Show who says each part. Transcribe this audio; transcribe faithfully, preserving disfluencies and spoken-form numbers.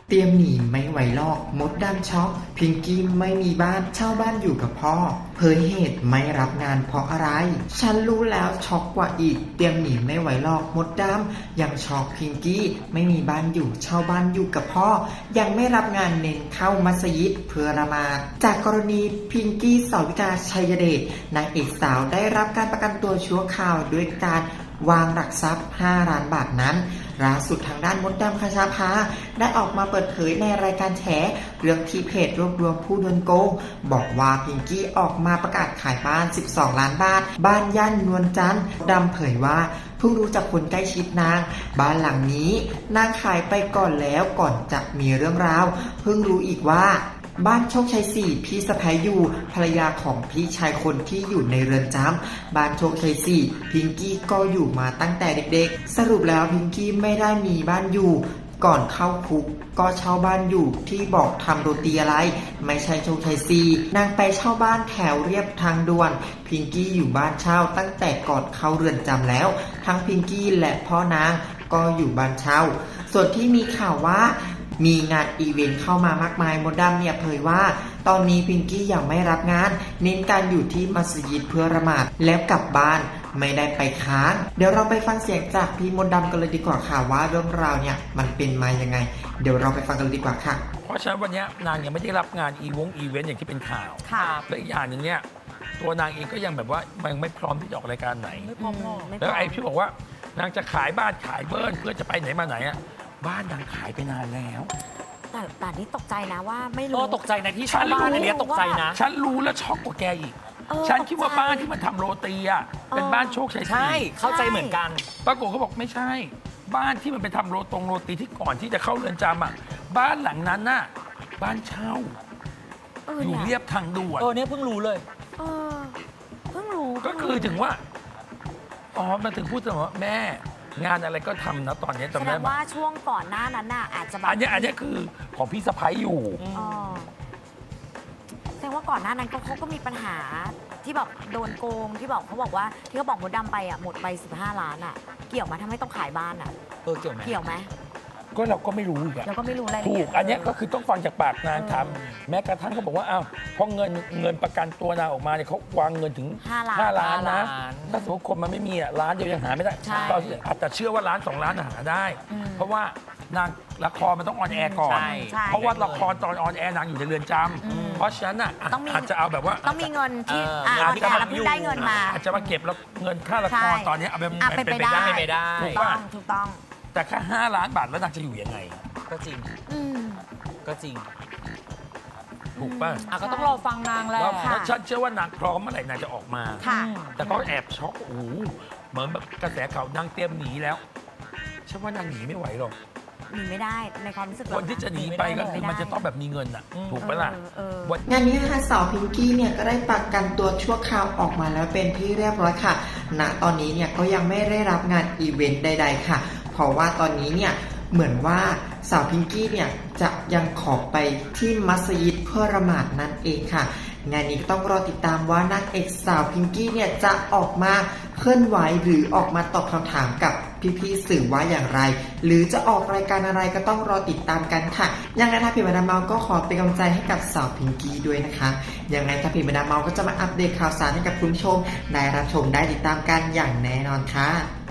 Speaker 1: เตรียมหนีไม่ไหวลอกมดดำช็อกพิงกี้ไม่มีบ้านเช่าบ้านอยู่กับพ่อเผยเหตุไม่รับงานเพราะอะไรฉันรู้แล้วช็อกกว่าอีกเตรียมหนีไม่ไหวลอกมดดำยังช็อกพิงกี้ไม่มีบ้านอยู่เช่าบ้านอยู่กับพ่อยังไม่รับงานเน้นเข้ามัสยิดเพื่อละหมาดจากกรณีพิงกี้สาวิกาชัยเดชนางเอกสาวได้รับการประกันตัวชั่วคราวด้วยการวางหลักทรัพย์ห้าล้านบาทนั้นล่าสุดทางด้านมดดำคชาภาได้ออกมาเปิดเผยในรายการแฉเรื่องที่เพจรวบรวมผู้โดนโกงบอกว่าพิงกี้ออกมาประกาศขายบ้านสิบสองล้านบาทบ้านย่านนวลจันทร์ดำเผยว่าเพิ่งรู้จากคนใกล้ชิดนางบ้านหลังนี้นางขายไปก่อนแล้วก่อนจะมีเรื่องราวเพิ่งรู้อีกว่าบ้านโชคชัยสี่พี่สะพ้ายอยู่ภรรยาของพี่ชายคนที่อยู่ในเรือนจำบ้านโชคชัยสี่พิงกี้ก็อยู่มาตั้งแต่เด็กๆสรุปแล้วพิงกี้ไม่ได้มีบ้านอยู่ก่อนเข้าคุกก็เช่าบ้านอยู่ที่บอกทำโรตีอะไรไม่ใช่โชคชัยสี่นางไปเช่าบ้านแถวเรียบทางด่วนพิงกี้อยู่บ้านเช่าตั้งแต่ก่อนเข้าเรือนจำแล้วทั้งพิงกี้และพ่อนางก็อยู่บ้านเช่าส่วนที่มีข่าวว่ามีงานอีเวนต์เข้ามามากมายมดดำเนี่ยเผยว่าตอนนี้พิงกี้ยังไม่รับงานเน้นการอยู่ที่มัสยิดเพื่อละหมาดแล้วกลับบ้านไม่ได้ไปค้างเดี๋ยวเราไปฟังเสียงจากพี่มดดำกันเลยดีกว่าค่ะว่าเรื่องราวเนี่ยมันเป็นมายังไงเดี๋ยวเราไปฟังกันเลยดีกว่าค่ะ
Speaker 2: เพราะฉะนั้นวันนี้นางยังไม่ได้รับงานอีวงอีเวนต์อย่างที่เป็นข่าวและอีกอย่างหนึ่งเนี่ยตัวนางเองก็ยังแบบว่ายังไม่พร้อมที่จะออกรายการไหน
Speaker 3: ไม่พร้อม
Speaker 2: แล้วไอ้พี่บอกว่านางจะขายบ้านขายเบิร์นเพื่อจะไปไหนมาไหนอ่ะบ้านนางขายไปนานแล้ว
Speaker 3: แต่แต่นี่ตกใจนะว่าไม่รู้
Speaker 4: ตกใจนะที่ชาวบ้านเนี่ยตกใจนะ
Speaker 2: ฉันรู้แล้วช็อกกว่าแกอีกฉันคิดว่าบ้านที่มันทำโรตีอ่ะเป็นบ้านโชคชัย
Speaker 4: ใช่เข้าใจเหมือนกัน
Speaker 2: ปรากฏเขาบอกไม่ใช่บ้านที่มันไปทำโรตรงโรตีที่ก่อนที่จะเข้าเรือนจำอ่ะบ้านหลังนั้นน่ะบ้านเช่าอยู่เรียบทางด่วน
Speaker 4: เออเนี่ยเพิ่งรู้เลย
Speaker 3: เออเพิ่งรู้
Speaker 2: ก็คือถึงว่าอ๋อมาถึงพูดถึงว่าแม่งานอะไรก็ทำนะตอนนี้
Speaker 3: จำได้ไหมว่าช่วงก่อนหน้านั้นน่ะอาจจะแบบ
Speaker 2: อันนี้อันนี้คือของพี่สะพ้ายอยู่
Speaker 3: แสดงว่าก่อนหน้านั้นเขาก็มีปัญหาที่แบบโดนโกงที่บอกเขาบอกว่าที่เขาบอกมดดำไปอ่ะหมดไปสิบห้าล้านอ่ะเกี่ยวมาทำให้ต้องขายบ้านอ่ะ
Speaker 4: เออเกี่ยวไหม
Speaker 3: เกี่ยวไหม
Speaker 2: ก็เราก็ไม่รู้อีก
Speaker 3: เราก็ไม่รู้อะไร
Speaker 2: ถูกอันนี้ก็คือต้องฟังจากปากนางทำแม้กระทั่งเขาบอกว่าอ้าวพอเงินเงินประกันตัวนางออกมาเนี่ยเขาวางเงินถึงห้าล้านนะถ้าสมมติคนมันไม่มีอ่ะล้านเดียวยังหาไม่ได้ตอนอาจจะเชื่อว่าล้านสองล้านหาได้เพราะว่านางละครมันต้องออนแอร์ก่อนเพราะว่าละครตอนออนแอร์นางอยู่ในเรือนจำเพราะฉะนั้นอ่ะอาจจะเอาแบบว่า
Speaker 3: ต้องมีเงินที่ออนแอร์แล้วเพิ่งได้เงินมา
Speaker 2: อาจจะมาเก็บแล้วเงินค่าละครตอนนี้เอา
Speaker 3: ไปไปได้
Speaker 4: ไม่ได้
Speaker 3: ถูกต้องถูกต้อง
Speaker 2: แต่แค่ห้าล้านบาทแล้วนางจะอยู่ยังไง
Speaker 4: ก็จริงก็จริง
Speaker 2: ถูกป่ะ
Speaker 4: อ่ะก็ต้องรอฟังนางแล้ว
Speaker 2: ฉันเชื่อว่านางพร้อมเมื่อไหร่นางจะออกมาแต่ก็แอบช็อกโอ้เหมือนแบบกระแสข่าวนางเตรียมหนีแล้วฉันว่านางหนีไม่ไหวหรอก
Speaker 3: หนีไม่ได้ในความรู้สึก
Speaker 2: คนที่จะหนีไปก็คือมันจะต้องแบบมีเงินอ่ะถูกปะล่ะ
Speaker 1: งานนี้นะคะสาวพิงกี้เนี่ยก็ได้ประกันตัวชั่วคราวออกมาแล้วเป็นที่เรียบร้อยค่ะณตอนนี้เนี่ยก็ยังไม่ได้รับงานอีเวนต์ใดๆค่ะเพราะว่าตอนนี้เนี่ยเหมือนว่าสาวพิงกี้เนี่ยจะยังขอไปที่มัสยิดเพื่อละหมาดนั่นเองค่ะงานนี้ต้องรอติดตามว่านางเอกสาวพิงกี้เนี่ยจะออกมาเคลื่อนไหวหรือออกมาตอบคำถามกับพี่ๆสื่อว่าอย่างไรหรือจะออกรายการอะไรก็ต้องรอติดตามกันค่ะยังไงถ้าเพจมาดามเมาก็ขอเป็นกำลังใจให้กับสาวพิงกี้ด้วยนะคะยังไงถ้าเพจมาดามเมาก็จะมาอัปเดตข่าวสารให้กับคุณผู้ชมได้รับชมได้ติดตามกันอย่างแน่นอนค่ะ